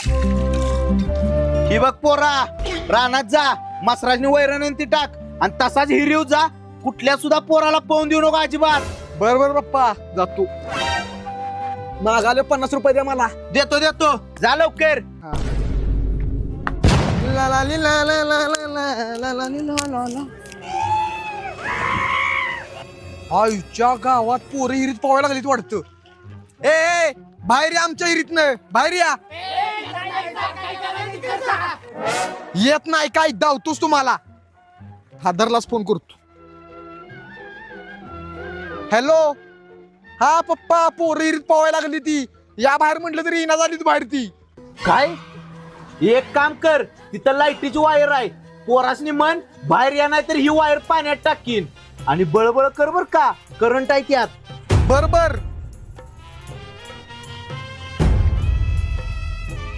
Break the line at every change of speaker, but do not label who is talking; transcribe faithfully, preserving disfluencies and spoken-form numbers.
ही बघ पोरा, रानात जा, मसराजनी वैरण ती टाक आणि तसाच हिरीव जा. कुठल्या सुद्धा पोराला पाहून देऊ नको अजिबात.
बर बर पप्पा जातो. मागाले पन्नास रुपये द्या मला.
देतो देतो, जा लवकर.
ला ला ली ला ला ला ला ला ला ला ली ला ला ला. आईच्या गावात पोरं हिरीत पोहायला लागलीत वाटतं. ए, ए बाहेर या आमच्या हिरीत न बाहेर या. येत नाही काय धावतोस तुम्हाला. हादरलाच फोन करतो. हॅलो, हा पप्पा, पोरं हिरीत पोहायला लागली ती. या बाहेर म्हटलं तरी येणार झाली ती बाहेर ती.
काय? एक काम कर, तिथं लाईटीची वायर आहे. पोरासनी म्हण बाहेर या, नाही तर ही वायर पाण्यात टाकीन. आणि बळबळ कर बर का, करंट आहे त्यात.
बर बर.